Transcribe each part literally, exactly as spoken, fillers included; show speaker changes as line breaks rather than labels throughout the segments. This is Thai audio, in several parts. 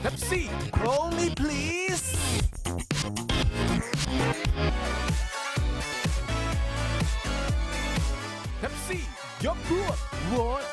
Pepsi Roll me please เ e ปซี่ยกพวกโหวต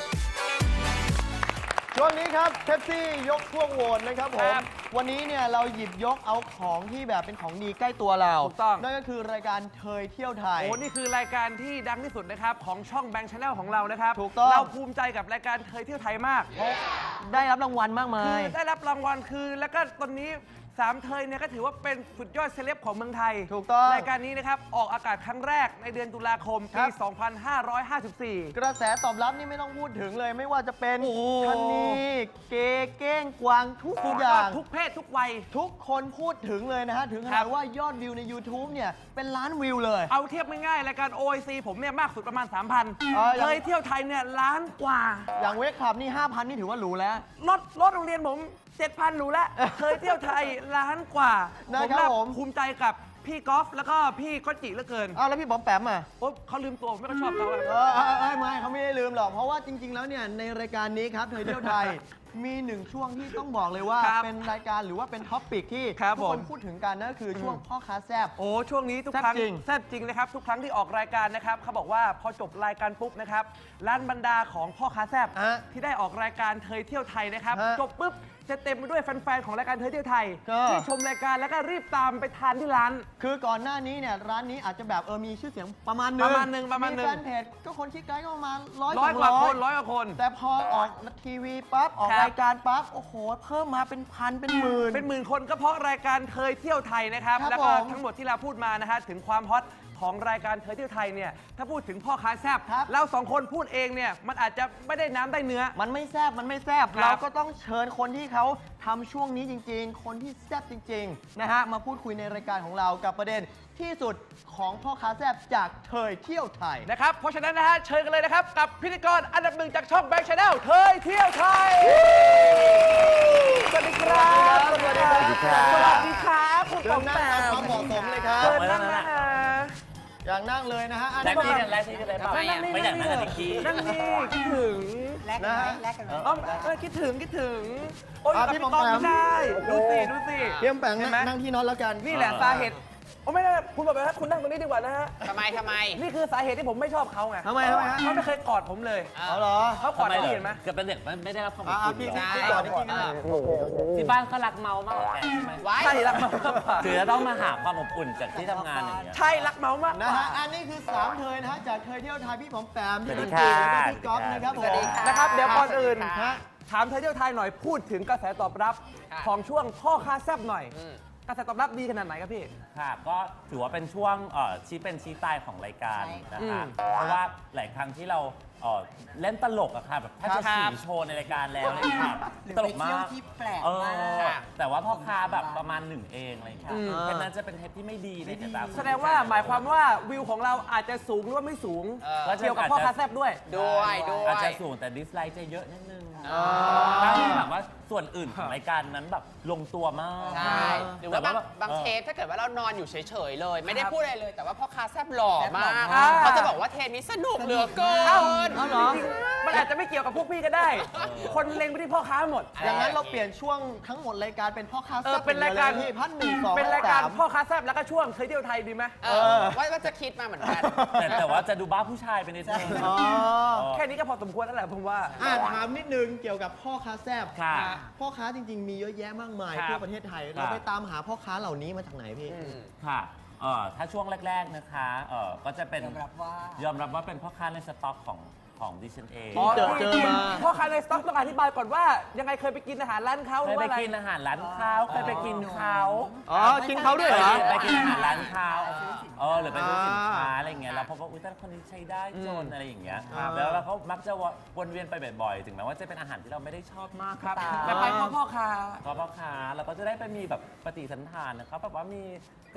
ช่วงนี้ครับเ e ปซี่ยกพวกโหวตนะครับผ
ค
ม
รับ
วันนี้เนี่ยเราหยิบยกเอาของที่แบบเป็นของดีใกล้ตัวเรา
ถูกต้อง
นั่นก็คือรายการเทยเที่ยวไทย
โอ้นี่คือรายการที่ดังที่สุดนะครับของช่องแบงค์ชาแนลของเรานะครับ
ถูกต้อง
เราภูมิใจกับรายการเทยเที่ยวไทยมาก
ได้รับรางวัลมากมา
คื
ย
อได้รับรางวัลคือแล้วก็ตอนนี้สามเทยเนี่ยก็ถือว่าเป็นสุดยอดเซเลบของเมืองไทย
ถูกต้อง
รายการนี้นะครับออกอากาศครั้งแรกในเดือนตุลาคม
ครั
ปี
บ
สองพันห้าร้อยห้าสิบสี่
กระแสตอบรับนี่ไม่ต้องพูดถึงเลย ไม่ว่าจะเป็น
โอ้โห
ชะนีเกย์เก้งกวางทุก
สุด
อย ย่า
อด
ง
ทุกเพศทุกวัย
ทุกคนพูดถึงเลยนะฮะ ถึงข
ครั
นาด
บ
ว่ายอดวิวใน YouTube เนี่ยเป็นล้านวิวเลย
เอาเทียบง่ายๆรายการ โอ ไอ ซี ผมเนี่ยมากสุดประมาณ สามพัน
เออยัง
เทยเที่ยวไทยเนี่ยล้านกว่า
อย่างเวกคลับนี่ ห้าพัน นี่ถือว่าหรูแล้ว
รถรถโรงเรียนผม เจ็ดพัน หนูแล้ว เคยเที่ยวไทยล้านกว่า
นะครับ
ผม
ผม
ภูมิใจกับพี่กอล์ฟแล้วก็พี่ก็จิเหลือเกิน
อ้าวแล้วพี่บอมแปมอ่ะ
โอ๊ยเขาลืมตัวผมไม่ค่อยชอบเขาอะ
เออเออเออไม่เขาไม่ได้ลืมหรอก เพราะว่าจริง ๆ แล้วเนี่ยในรายการนี้ครับเธอเที่ยวไทย มีหนึ่งช่วงที่ต้องบอกเลยว่า
ครับ
เป็นรายการหรือว่าเป็นท็อปปิกที่
ครับ
ทุกคน
ผม
พูดถึงกันนั่นก็คือช่วงพ่อค้าแซบ
โอ้ช่วงนี้ทุก
แซ่บ
ครั้ง
จริง
แซ่บจริงนะครับทุกครั้งที่ออกรายการนะครับเขาบอกว่าพอจบรายการปุ๊บนะครับร้านบรรดาของพ่อค้าแซบ
ฮะ
ที่ได้ออกรายการเทยเที่ยวไทยนะครับ
ฮะ
จบปุ๊บจะเต็มไปด้วยแฟนๆของรายการเทยเที่ยวไทย
ก็
ที่ชมรายการแล้วก็รีบตามไปทานที่ร้าน
คือก่อนหน้านี้เนี่ยร้านนี้อาจจะแบบเออมีชื่อเสียงประมาณหนึง
ประมาณหนึ่งประมาณหนึ่ง
แฟนเพจก็คนคิดไกด์ก็ประมาณร้อย
ร้อยกว่าคนร้อยกว่าคน
แต่พอออกทีวีปั๊บออก
ครับ
รายการปั๊บโอ้โหเพิ่มมาเป็นพันเป็นหมื่น
เป็นหมื่นคนก็เพราะรายการเทยเที่ยวไทยนะครับ
ครับ
แล้วก็
ผม
ทั้งหมดที่เราพูดมานะฮะถึงความฮอตของรายการเทยเที่ยวไทยเนี่ยถ้าพูดถึงพ่อค้าแซบ
ครับ
เราสองคนพูดเองเนี่ยมันอาจจะไม่ได้น้ำได้เนื้อ
มันไม่แซบมันไม่แซบ
ครับ
เราก็ต้องเชิญคนที่เขาทำช่วงนี้จริง ๆ คนที่แซบจริง ๆ นะฮะ มาพูดคุยในรายการของเรากับประเด็นที่สุดของพ่อค้าแซบจากเทยเที่ยวไทย
นะครับเพราะฉะนั้นนะฮะเชิญกันเลยนะครับกับพิธีกรอันดับหนึ่งจากช่องแบงค์ชาแนลเทยเที่ยวไทยสวัสดีครับ
สวัสดีครับ
สวัสดีครับคุณ
เชิ
ปอ
ญ
ม
นั่ง
แป
ตาม
ม
ความเหมาะสมเลยครับ
เชิญนั่งนะฮะ
อย่างนั่งเลยนะฮะอัน
แล
นี้
ก
ก็
ที่กันแลกที่กันเลยเปล่า
นั่งนี่
ไม่อยากนั่งกับ
นี่
นิกกี้
นั่งนี่คิดถึง
แลกกันไหมแลกกันไหม
เอ้าเออคิดถึงคิดถึงโอ้ย
อ่ะ
กับ
พี่
พี่
ป
ป
อ
อ
ม
ม
แปม
ไม่ได้ดูสิดูสิ
เตรียมแปง
เห็นไหม
นั่งที่นอนแล้วกัน
นี่แหละสาเหตุโอ้ไม่ได้คุณบอกไปว่าคุณนั่งตรงนี้ดีกว่านะฮะ
ทำไมทำไม
นี่คือสาเหตุที่ผมไม่ชอบเขาไง
ทำไมทำไมฮะ
เขาไม่เคยกอดผมเลย
เอาเหรอ
เขากอด
ทำไม
พี่
เหร
เห็นไหม
อเกิดเป็นเด็กมันไม่ได้รับความอบ
อ่า
อุ่น
พี่
เหร
พี่
อ
พี่ก่อนพี่ก่อน
ที่บ้านเขารักเมามากกว่าแกใช่ไหม
ไว้
ใช่รักเมามากกว่า
คือจะต้องมาหาความอบอุ่นจากที่ทำงานอย่างเงี้ย
ใช่รักเมามากก
นะ
ว่า
ฮะ อันนี้คือสามเทยนะฮะ จากเทยเที่ยวไทยพี่ผมแปมพี่
สวั
ด
ส
น
ดี
ตรี
ค่ะ
แล้วก็พี่ก๊อฟนะครับผม
นะครับเดี๋ยวก่อนอื่น
ฮะ
ถามเธอเที่ยวไทยหน่อยพูดถึงกระแสตอบรับ
ค่ะ
ของช่วงพ่อค้าแซบหน่อย กระแสตอบรับดีขนาดไหนครับพี่
ค่ะก็ถือว่าเป็นช่วงเอ่อชี้เป็นชี้ตายของรายการนะคะ เพราะว่าหลายครั้งที่เราเอ่อเล่นตลกอะค่ะแบบแทบจะ
ครับ
สีโชว์ในรายการแล้วอะไรอย่างเลยค่ะ
หรือ
ตล
ไป
ก
เที่ยว
มาก
ที่แปลก
เอ
มาก
อแต่ว่าพ่อค้าแบบประมาณหนึ่งเองอะไรอย่างเงี้ย
อืม
เพราะฉะนั้นจะเป็นเทปที่ไม่ดีในสายตา
แสดงว่าหมายความว่าวิวของเราอาจจะสูงหรือว่าไม่สูง
เออ
เกี่ยวกับพ่อค้าแซบด้วย
ด้วยด้วย
อาจจะสูงแต่ดิสไลค์จะเยอะนิดนึง
อ๋อ
ถ้าที่แบบว่าส่วนอื่นของรายการนั้นแบบลงตัวมาก
ใช่หรือว่าบาง
แต่
บาง
ออ
เทปถ้าเกิดว่าเรานอนอยู่เฉยๆเลย ไม่ได้
ครับ
พูดอะไรเลย แต่ว่าพ่อค้าแซ่บหล่อมาก
อ่า
เขาจะบอกว่าเทปนี้สนุกเหลือเกิน
เอ้าเหรอมันอาจจะไม่เกี่ยวกับพวกพี่ก็ได้ คนเล็งไปที่พ่อค้าหมด
อย่างนั้นเราเปลี่ยนช่วงทั้งหมดรายการเป็นพ่อค้า
เอ
แซ่
อบ เป็นรายการ
พี่พันหนึ่งสอง
เป็นรายการ
สม
พ่อค้าแซบแล้วก็ช่วงเคยเที่ยวไทยดีไหม
เออว่าว่าจะคิดมาเหมือนกัน
แต่แต่ว่าจะดูบ้าผู้ชายไปนิดนึง
อ๋อ
แค่นี้ก็พอสมควรแล้วแหละผมว่า
อ่าถามนิดนึงเกี่ยวกับพ่อค้าแซบ
ค่ะ
พ่อค้าจริง ๆ มีเยอะแยะมากมาย
ครับ
ทั่วประเทศไทย เราไปตามหาพ่อค้าเหล่านี้มาจากไหนพี่
ค่ะเอ่อถ้าช่วงแรก ๆนะคะเอ่อก็จะเป็น
ยอมรับว่าย
อมรับว่าเป็นพ่อค้าในสต็อกของของดิฉันเอง
อ๋อ เจอเจอมา
พ่อค้าในสต็อกต้องอธิบายก่อนว่า ยังไงเคยไปกินอาหารร้านเขาห
เค
รื
ย
อ
ไป
ว่าอะไร
กินอาหารร้านเขาเคยไปกินเขา
อ๋อ กินเขาด้วยเหรอ
ไปกินอาหารร้านเขาเออหรือไปดูสินค้าอะไรเงี้ยแล้วพบว่าอุ้ยแต่คนนี้ใช้ได้จนอะไรอย่างเงี้ย
ครับ
แล้วเราเขามักจะวนเวียนไปบ่อยๆ ถึงแม้ว่าจะเป็นอาหารที่เราไม่ได้ชอบมาก
ครับ
ก็ตาม
แต่ไปพ่อพ่อค้า
ก็พ่อค้าเราก็จะได้ไปมีแบบปฏิสันถานนะครับแบบว่ามีจะ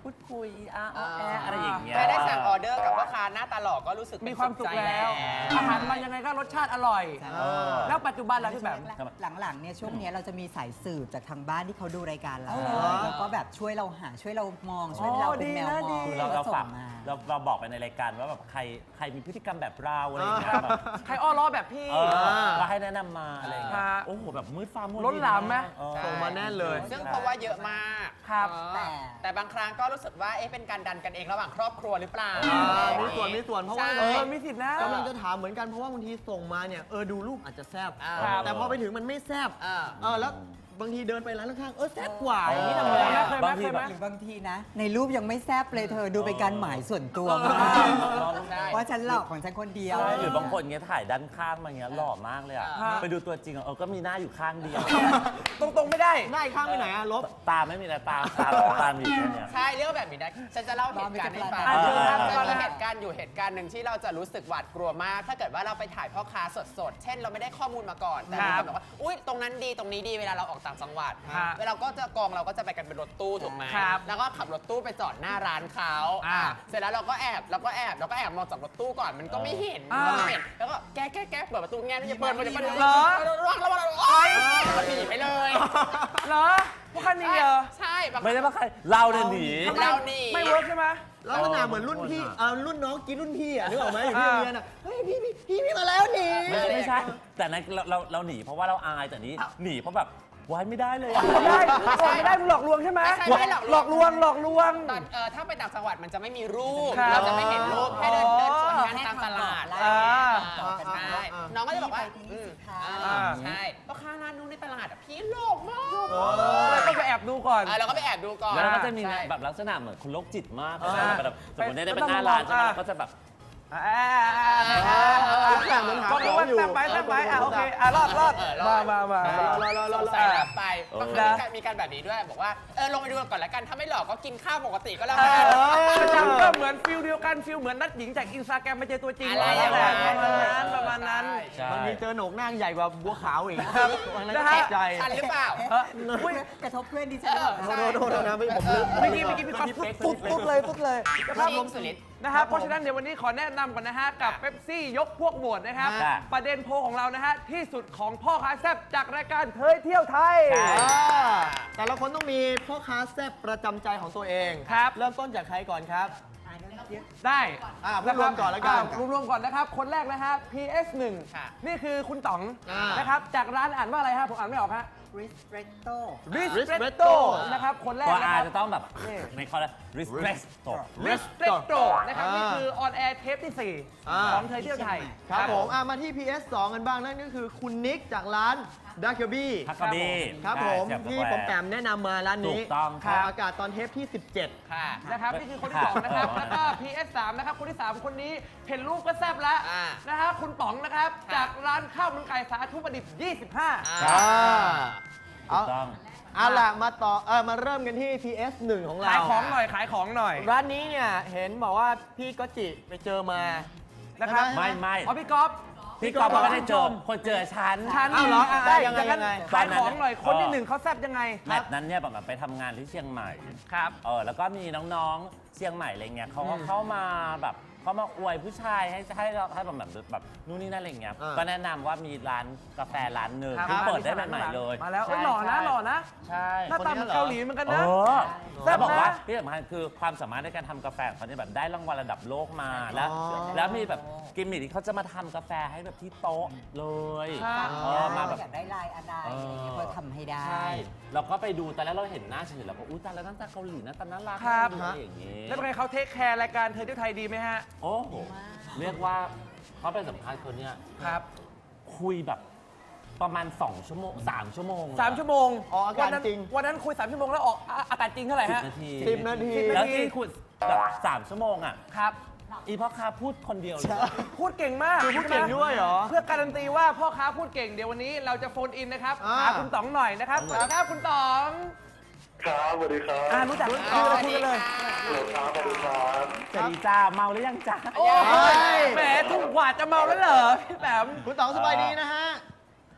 พูดคุยอาอ้อแออะไรอย่างเงี้ย
แค่ได้สั่งออเดอร์กับพ่อค้าหน้าตาหล่อก็รู้สึก
มีความสุข
ใจ
แล้ว อาหารมันยังไงก็รสชาติอร่อย
เออ
แล้วปัจจุบันล่ะพี่แบม
หลังๆเนี่ยช่วงเนี้ยเราจะมีสายสืบจากทางบ้านที่เขาดูรายการเรา
อ๋อเหรอ
แล้วก็แบบช่วยเราหาช่วยเรามองช่วยเราเป็นแมว
อ๋อ
ม
ดี
อง
นะดี
คือเรา
แล้ว
เรา
ก็ส่
ฝาก
งมา
เราเราบอกไปในรายการว่าแบบใครใครมีพฤติกรรมแบบเราอะไรอย่างเงี้ยแบบ
ใครอ้อล้อแบบพี่
เออก็ให้แนะนำมาอะไรอย่างเงี้ย
ฮะ
โอ้โหแบบมืดฟ้ามัว
ล้นหลามไหม
เออ
ส่งมาแน่นเลย
ซึ่งเพราะว่าเยอะมาก
ครับ
เออ
แต่
แต่บางครั้งก็รู้สึกว่าเอ๊ะเป็นการดันกันเองระหว่างครอบครัวหรือเปล่า
อ่ามีส่วนมีส่วนเพราะว่า
ใช่
เออมีสิทธินะ
กำลังจะถามเหมือนกันเพราะว่าบางทีส่งมาเนี่ยเออดูรูปอาจจะแซบ
อ่า
ครับ
แต่พอไปถึงมันไม่แซบ
อ่า
เออแล้วบางทีเดินไปร้านข้างๆเออแซบกว่าอย่างนี้ทำไง
เคยไหม
อะ
เคยไหมเคยไหม
หรือบางทีนะ ในรูปยังไม่แซบเลยเธอดูเป็นการหมายส่วนตัวมาก
ใช่
ว่าฉันหลอกของฉันคนเดียว
ใช่หรือบางคนเงี้ยถ่ายด้านข้างมาเงี้ยหล่อมากเลยอ่ะ
ฮะ
ไปดูตัวจริงอ่ะเออก็มีหน้าอยู่ข้างเดียว
ตรงๆไม่ได้
ได้ข้างไปไหนอะลบ
ตาไม่มีแต่ตาตาตามีแค่เนี้ย
ใช่เรื่องแบบนี้ได้ฉันจะเล่าเหตุการณ์ให้ฟัง
อ่ะเชิญครับ
จะ
ก่อน
มี
นะ
เหตุการณ์อยู่เหตุการณ์หนึ่งที่เราจะรู้สึกหวาดกลัวมาก ถ้าเกิดว่าเราไปถ่ายพ่อค้าสดๆ เช่นเราไม่ได้ข้อมูลมาก่อน แต่มีคนบอกว่า อุ้ยตรงนั้นดีตรงนี้ดีเวลาเราออกต่างจังหวัด
ครับ
เวลาก็จะกองเราก็จะไปกันเป็นรถตู้ถูกไหม
ครับ
แล้วก็ขับรถตู้ไปจอดหน้าร้านเขา
อ่า
เสร็จแล้วเราก็แอบเราก็แอบเราก็แอบมองจากรถตู้ก่อนมันก็ไม่เห็น
อ่า
มันก็ไม่เห็นแล้วก็แก้แก้แก้เปิดประตูแง่จะเปิดมันจะเปิด
เหรอ
ระวังระวังระวังโอ๊ยมันหนีไปเลย
เหรอพวกคันนี้เหรอ
ใช่บาง
ไม่ได้ว่าใครเราเนี่ยหนี
เราหนี
ไม่เวิร์กใช่ไหม
ลักษณะเหมือนรุ่นพี่เออรุ่นน้องกินรุ่นพี่อะนึกออกไหมอยู่ที่โรงเรียนอะเฮ้ยพี่พี่พี่พี่มาแล้วหนี
ไม่ไม่ใช่ แต่นั้นเราเราเราหนีเพราะว่าเราอายแต่นี้หนีเพราะแบบไว้ไม่ได้เลยอะ
ไม่ได้ไม่ได้มึงหลอกลวงใช่ไหม
ไม่ใช่ไม่ได้หลอกลวง
หลอกลวงหลอกลวง
ตอนเออถ้าไปต่างจังหวัดมันจะไม่มีรูป
ครับ
เราจะไม่เห็นรูปแค่เดินเดินสวนกันตามตลาด
อ่า
อ่าใช่น้องก็จะบอกว่า
พี่ไปที่
อืม
สิคะ
อ่าใช่พ่อค้าร้านนู้นในตลาดอ่ะพี่หลอกมาก
เลยต้องไปแอบดูก่อน
เออเราก็ไปแอบดูก่อน
แล้วเราก็จะมี
ใช่
แบบลักษณะเหมือนคนโรคจิตมาก
อ่า
แบบสมมติเนี่ยได้
ไป
เป็นหน้าร้านใช่ไหม
อ่า
เราก็จะแบบ
อ่า
ลักษณะเหมือนหา
ก็
ข
รู้
อง
ว่า
อยู่
แซ่บไปแซ่บไปอ่ะโอเคอ่ะรอดรอด
เออรอ
มา
ด
มามา
เออ
รอรอรอ
สงสัยรับไป
เออ
ก็คือมีการมีการแบบนี้ด้วยบอกว่าเออลงไปดูก่อนละกันถ้าไม่หลอกก็กินข้าวปกติก็แล้ว
เอ
กัน
อประจำก็เหมือนฟิลเดียวกันฟิลเหมือนนัดหญิงจากอินสตาแกรมมาเจอตัวจริง
อะไรอย่าง
แห
นั้
ละ
น
ประมาณนั้นประมาณนั้น
ใช่
บางทีเจอโหนกหน้าใหญ่กว่าบัวขาวอีกวันนั้น
นะ
ก็
ฮะ
ตกใจ
ทันหรือเปล่า
เอออุ้ย
กระทบเพื่อนดิฉัน
เออ
โทษโทษโทษนะพี่ผมลืม
เมื่อกี้เมื่อกี้มีความตุ๊ดตุ๊ดตุ๊ดเลยตุ๊ดเลยนะครับ
จริงสุดฤทธิ์
นะครับเพราะฉะนั้นเดี๋ยววันนี้ขอแนะนำก่อนนะฮะกับเป๊ปซี่ยกพวกโหวตนะครับ
ค่ะ
ประเด็นโพลของเรานะฮะที่สุดของพ่อค้าแซ่บจากรายการเทยเที่ยวไทย
ใช่
อ่าแต่ละคนต้องมีพ่อค้าแซ่บประจำใจของตัวเอง
ครับ
เริ่มต้นจากใครก่อนครับ
ได้
อ่าพูดรวมก่อนแล้วกัน
อ่ารวมๆก่อนนะครับ คนแรกนะฮะ พี เอส หนึ่ง
ค่ะ
นี่คือคุณต๋อง
อ่าน
นะครับ จากร้านอ่านว่าอะไรฮะผมอ่านไม่ออกฮะ
ริสเรโต้
Ristretto นะครับ คนแรก
ตัว
นะ
อา
ครับ
จะต้องแบบ
นี่
ในคอร์ respect
Ristretto นะครับ
อ่านี่
นี่คือออนแอร์เทปที่สี่
อ่า
ของเทยเที่ยวไทย
ครับผมอ่ะมาที่ พี เอส สอง กันบ้างนั่นก็คือคุณนิกจากร้านดักเกอร์บี้
ฮักกะบี้
ครับผม
ใช่
ที่
แซ่บ
ผมแปมแนะนำมาร้านนี้
ถูกต้อง
ออกอากาศตอนเทปที่ สิบเจ็ด
ค่ะ
นะครับนี่คือคนที่สองนะครับ แล้วก็ พี เอส สาม นะครับ คนที่สามคนนี้เห็นรูปก็แซ่บแล้ว
อ่า
นะฮะคุณป๋องนะครับ
ครับ
จากร้านข้าวมันไก่สาธุประดิษฐ์ยี่สิบห้า
อ่า
อ่า
ถูกต้อง
เอาล่ะมาต่อเออมาเริ่มกันที่ พี เอส หนึ่ง ของเรา
ขายของหน่อยขายของหน่อย
ร้านนี้เนี่ยเห็นบอกว่าพี่ก็จิไปเจอมา
นะครับ
ใช่ห
ไม่ไม่
อ๋อพี่ก๊อฟ
พี่กอล์ฟเขาไม่ได้เจอคนเจอฉัน
ชัน
อ้าวเหรออ่ะ
ได้
ยังไง
จากนั้น
ยังไง
ขายของหน่อย คนที่
เออ
หนึ่งเขาแซ่บยังไง
แมตช์นั้นเนี่ยแบบไปทำงานที่เชียงใหม่
ครับ
เออแล้วก็มีน้องๆเชียงใหม่อะไรเงี้ยเขาก็เข้ามาแบบเขามาอวยผู้ชายให้ให้เราให้แบบแบบแบบนู่นนี่นั่นอะไรเงี้ย
อ่า
ก็แนะนำว่ามีร้านกาแฟร้านหนึ่ง
ครับ
ที่เปิดได้ใหม่ๆเลย
มาแล้วเอ้ย
ใช่
หล่อนะ
ใช่
หล่อนะ
ใช่
หน้าตาเหมือนเกาหลีเหมือนกัน
เอ
นะ
อ
แซ่
แล้
บ
วบอกว่า
นะ
ที่สำคัญคือความสามารถในการทำกาแฟของเขาเนี่ยแบบได้รางวัลระดับโลกมาแล้ว
อ๋อ
แล้วมีแบบกิมมิคที่เขาจะมาทำกาแฟให้แบบที่โต๊ะเลย
ครับ
เออมาแบบ
อยากได้ลายอะไร
เออ
อะไรอย่างเงี้ยเพื่อทำให้ได้
ใช่เราก็ไปดูตอนแรกเราเห็นหน้าเฉยๆแล้วก็อุ้ยตาแล้วหน้าตาเกาหลีหน้าตาน่ารัก
ครับ
อะไรอย่างงี้
แล้วเป็นไงเขาเทคแคร์รายการเทยเที่ยวไทยดีไหมฮะ
โอ้โหเรียกว่าเขาไปสัมภาษณ์คนเนี้ย
ครับ
คุยแบบประมาณ สอง ชั่วโมง สาม ชั่วโมง
สามชั่วโมง
อ๋ออากาศ
วันนั้น
จริง
วันนั้นคุยสามชั่วโมงแล้วออกอ่ะอากาศจริงเท่าไหร่
สิบ
ฮะ
นาที
สิบนาที
สิบนาที
แล้วที่คุยแบบสามชั่วโมงอ่ะ
ครับ
อีพ่อค้าพูดคนเดียวเลย
พูดเก่งมาก
คือพูดเก่งด้วยเหรอ
เพื่อการันตีว่าพ่อค้าพูดเก่งเดี๋ยววันนี้เราจะโฟนอินนะครับ
อ่า
หาคุณต๋องหน่อยนะครับสวัสดีครับคุณต๋อง
ครับสวัสดีครับ
อ่ารู้จักคุย
ส
กัน
วัส
คุย
ดี
กันเลย
ค่ะ
สวัสดีครับสวัสดีครับ
สวัสดีจ้าเมาหรือยังจ้า
โอ้ยแหมถูกกว่าจะเมาแล้วเหรอพี่แปม
คุณต๋องสบายดีนะฮะ
ครับ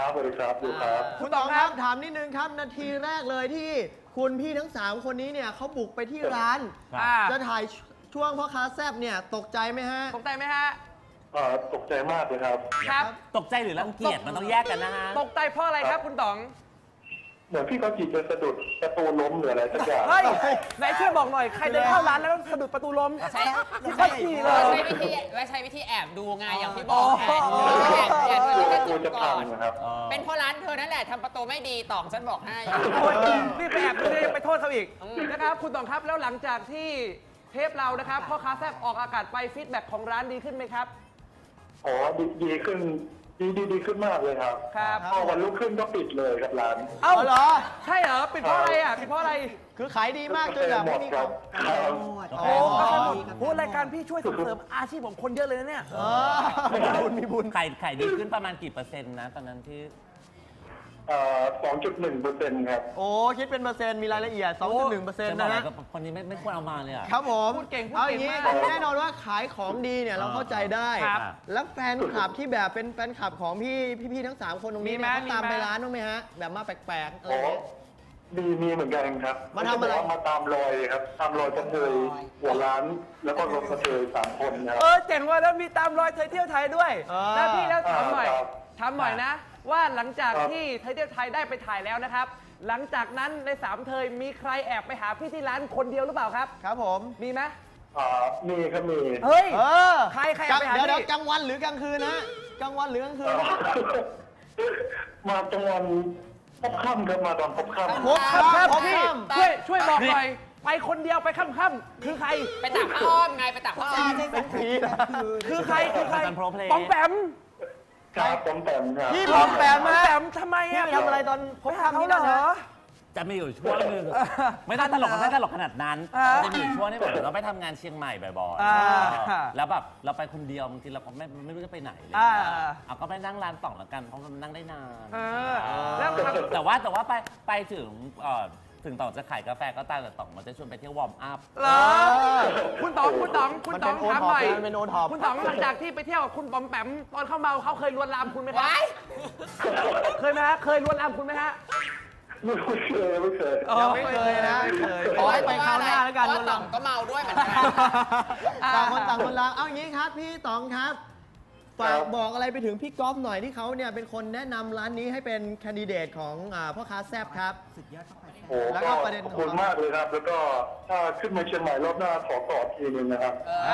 สวัสดีครับอยู่ครับ
คุณต๋องครับถามนิดนึงครับนาทีแรกเลยที่คุณพี่ทั้งสามคนนี้เนี่ยเขาบุกไปที่ร้าน
อ่า
จะถ่ายช่วงพ่อค้าแซบเนี่ยตกใจไหมฮะ
ตกใจไหมฮะ
เอ่อตกใจมากเลยครับ
ครับ
ตกใจหรือรังเกียจมันต้องแยกกันนะฮะ
ตกใจเพราะอะไรครับคุณต๋อง
เหมือนพี่เขาจีจะสะดุดประตูล้มหรืออะไรสักอย่าง
เฮ้ยไหนช่วยบอกหน่อย ใครเดินเข้าร้านแล้วสะดุดประตูล้ม
ใช่
ที่ค่อยขี่เล
เรา
ย
ใช้วิธีว่าใช้วิธีแอบดูไงอย่างที่บอกแอบดูแอบแอบ
กลั
ดู
ว
กระ
กลั
จุ
ว
ก
จะ
ก่
พั
อง น
นะครับ
เป็นเพราะร้านเธอนั่นแหละทำประตูไม่ดีต่องฉันบอกให้
โอ้ยรีบไปแอบดูเลยยังไปโทษเขาอีกนะครับคุณต๋องครับแล้วหลังจากที่เทปเรานะครับพ่อค้าแซ่บออกอากาศไปฟีดแบ็กของร้านดีขึ้นไหมครับ
อ๋อดีดีขึ้นดีดีดีขึ้นมากเลยครับ
ครับ
พอวันรุ่งขึ้นก็ปิดเลยครับร้าน
เอ้า
เอาเหรอ
ใช่เหรอปิดเพราะอะไรอ่ะปิดเพราะอะไร
คือขายดีมากจนแบบ
หม
ไม่
ด
มี
ค
ข
รั
อบ ง
ครับ
อ๋อ
โอ้ก็สนุก
ครับ
โอ้รายการพี่ช่วยส่งเสริมอาชีพของคนเยอะเลยนะเนี่ย
เออมีบุญมีบุญ
ไข่ไข่ดีขึ้นประมาณกี่เปอร์เซ็นต์นะตอนนั้นที่
เอ่อสองจุดหนึ่งเปอร์เซ็นต์ครับ
โอ้คิดเป็นเปอร์เซ็นต์มีรายละเอียด สองจุดหนึ่งเปอร์เซ็นต์
จะบอก
นะ
อะไร
ฮะ
ก็คนนี้ไม่ไม่ควรเอามาเลยอ่ะ
ครับผม
พูดเก่งพูด
เอาอ
เก่
ย่าง งนี้
มาก
แน่นอนว่าขายของดีเนี่ยเราเข้าใจได้
ครับ
แล้วแฟนคลับที่แบบเป็นแฟนคลับของพี่พี่ๆทั้งสามคนตรงนี้
มีไหม
เนี่ยเขาตาม
มีไหม
ไปร้านบ้างไหมฮะ แบบมาแปลกๆอะไร
อ๋อ
เงี้ย
มีมีเหมือนกันครับ
มาทำอะไร
เขบกว่มาตามรอยครับ ตามรอยกระเทยหัวร้าน แล้วก็รถกระเทยสามคนนะค
เอ
รับ
อเจ๋งว่ะแล้วมีตามรอยเธอเที่ยวไทยด้วย
อ่า
แล้วพี่แล้วถามหน่อย
ครับ
ถามหน่อยนะ ว่าหลังจาก
ครับ
ที่เธอเที่ยวไทยได้ไปถ่ายแล้วนะครับ หลังจากนั้นในสามเธอมีใครแอบไปหาพี่ที่ร้านคนเดียวหรือเปล่าครับ
ครับผม
มีไหม
อ่ามีครับมี
เฮ้ย
เออ
ใครใคร
กลาง
เอาไปหา
เดี๋ยว
พี่
เดี๋ยวกลางวันหรือกลางคืนนะกลางวันหรือกลางคืน
มาตรงวันพบค่ำครับมาตอนพบค่ำ
พบ
ครับครับ
พบ
พี่
ค่ำ
ช่วยช่วยบอกหน่อย ไปคนเดียวไปค่ำๆคือใคร
ไปตักผ้าอ้อมไงไปตักผ้าอ้อม
เป็นผีนะ
คือใครคือใคร
เป็น pro play
ปอมแปม
ครับผมแต้มครับ
พี่ปอมแปม
ปอม
มา
แปมทำไม
พี่
อ่ะ
ไปทำอะไรตอนพบ
ไปหา
ค่ำ
เขา
นี่
เหร
นั่นนะ
อ
จะมีอยู่ช่วงหนึงไม่ได้ตลกไม่ได้ตลกขนาดนั้น
อ่า
จะมีอยู่ช่วงที่แบบเราไปทำงานเชียงใหม่บ่อย
อ่า
ๆแล้วแบบเราไปคนเดียวบางทีเราก็ไม่ไม่รู้จะไปไหนเลย
อ่า
เอาก็ไปนั่งร้านต่องแล้วกันเพราะมันนั่งได้นาน
เออแล้วครับ
แต่ว่าแต่ว่าไปไปถึงเอ่อถึงต่องจะขายกาแฟก็ตามแต่ต่องมันจะชวนไปเที่ยววอร์มอัพ
เหรอคุณต๋องคุณต๋องคุณต๋อง
มันเป็น
ถามหน่อย
โอท็อปนะมันเป็นโอท็อป
คุณต๋องหลังจากที่ไปเที่ยวกับคุณปอมแปมตอนเข้าเมาเขาเคยลวนลามคุณไหมครับ
ว้าย
เคยไหมฮะเคยลวนลามคุณไหมฮะ
ไม่เคยไม่เคย
ยังไม่เคยนะไม่เคยขอให้ไปคราวหน้าแล้วกัน
เพ
ค
ราะ
น
ว่าต่
เรา
องก็เมาด้วยเหมือนกัน
ต่างคนต่างคนละเอาอย่างนี้ครับพี่ต๋องครับฝากบอกอะไรไปถึงพี่ก๊อฟหน่อยที่เขาเนี่ยเป็นคนแนะนำร้านนี้ให้เป็นแคนดิเดตของอ่าพ่อค้าแซบครับ
สุดยอดเข้าไปแซ่บ
โอ้
แล้วก็
ก็
ประเด็น
ขอบคุณมากเลยครับ แล้วก็ถ้าขึ้นมาเชียงใหม่รอบหน้าขอกอดทีนึงนะครับ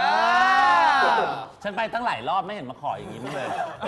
ฉันไปตั้งหลายรอบไม่เห็นมาขออย่างนี้มั้งเลย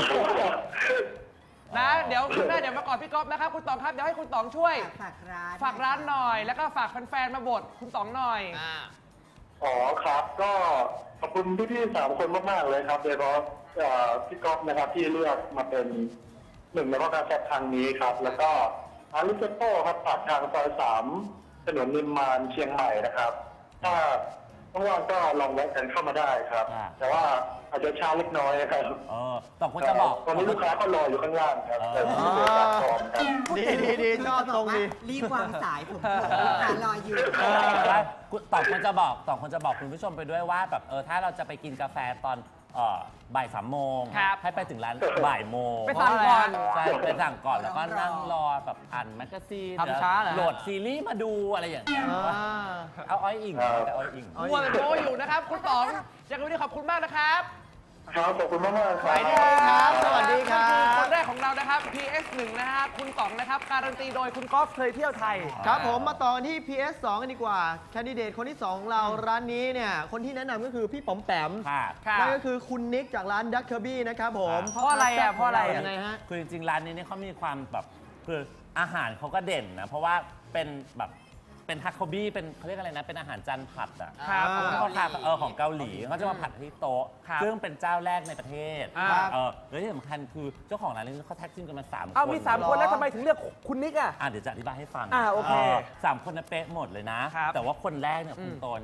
นะเดี๋ยวคุณแม่เดี๋ยวมาก่อนพี่ก๊อฟนะครับคุณต๋องครับเดี๋ยวให้คุณต๋องช่วย
ฝากร้าน
ฝากร้านหน่อย แล้วก็ฝากแฟนๆมาบทคุณต๋องหน่อย
อ่า
อ๋อครับ ก็ขอบคุณพี่ๆสามคนมากๆเลยครับโดยเฉพาะเอ่อพี่ก๊อฟนะครับที่เลือกมาเป็นหนึ่งในข้อการแข่งทางนี้ครับ แล้วก็อาริสโต้ครับปากทางซอยสามถนนนิมมานเชียงใหม่นะครับ ถ้าว่างๆก็ลองแวะกันเข้ามาได้ครับ
อ่า
แต่ว่าอาจจะช้าเล็กน้อยนะครับ
เออต่องควรจะบอก
ตอนนี้ลูกค้าก็รออยู่ข้างล่างครับแต่ที่เดินทางพร้อมครับ
ดีดีดีชอบตรงดี
รีบวางสายผมผมลูกค้ารออยู่
เออแล้วคุณต่องควรจะบอกต่องควรจะบอกคุณผู้ชมไปด้วยว่าแบบเออถ้าเราจะไปกินกาแฟตอนเอ่อบ่ายสามโมง
ครับ
ให้ไปถึงร้านบ่ายโมง
ไปสั่งก่อน
ใช่ไปสั่งก่อนแล้วก็นั่งรอแบบอ่านแมกกาซีน
ทำช้าเหรอ
โหลดซีรีส์มาดูอะไรอย่างเงี้ย
อ่า
เอาอ้อยอิง
ครับ
แต่อ้อยอิง
เอา
มัวแต่โตอยู่นะครับ คุณต๋องยังไงวันนี้ขอบคุณมากนะครับ
ครับขอบคุณมากๆครั
ไป
บ
ดีครับ สวัสดีครั
นี่คือบ คนแรกของเรานะครับ พี เอส หนึ่ง นะฮะคุณต๋องนะครับการันตีโดยคุณกอล์ฟเคยเที่ยวไทย
ครับผมมาต่อกันที่ พี เอส สอง กันดีกว่า แคนดิเดตคนที่สองของเราร้านนี้เนี่ย คนที่แนะนำก็คือพี่ป๋อมแปม
ค่ะ
ค่ะ
นั่นก็คือคุณนิกจากร้านดักเคอร์บี้นะครับผม
เพราะอะไรอ่ะเพราะอะไรอ่ะ
ยังไงฮะ
คือจริงๆร้านนี้เนี่ยเขามีความแบบคืออาหารเขาก็เด่นนะ เพราะว่าเป็นแบบเป็นฮักโคบี้เป็นเขาเรียกอะไรนะ เป็นอาหารจานผัดอ่ะ
ครับ
อ่า
เขาทานเออของเกาหลีเขาจะมาผัดที่โต๊ะ
ครับ
ซึ่งเป็นเจ้าแรกในประเทศ
อ่า
เออแล้วที่สำคัญคือเจ้าของร้านนี้เขาแท็กทีมกันมาสามคน
เอามีสามคนแล้วทำไมถึงเลือกคุณนิกอ่ะ
อ่ะเดี๋ยวจะอธิบายให้ฟัง
อ่าโอเค
สามคนน่ะเป๊ะหมดเลยนะ
ครับ
แต่ว่าคนแรกเนี่ย
อืม
คุณโตนเนี่ย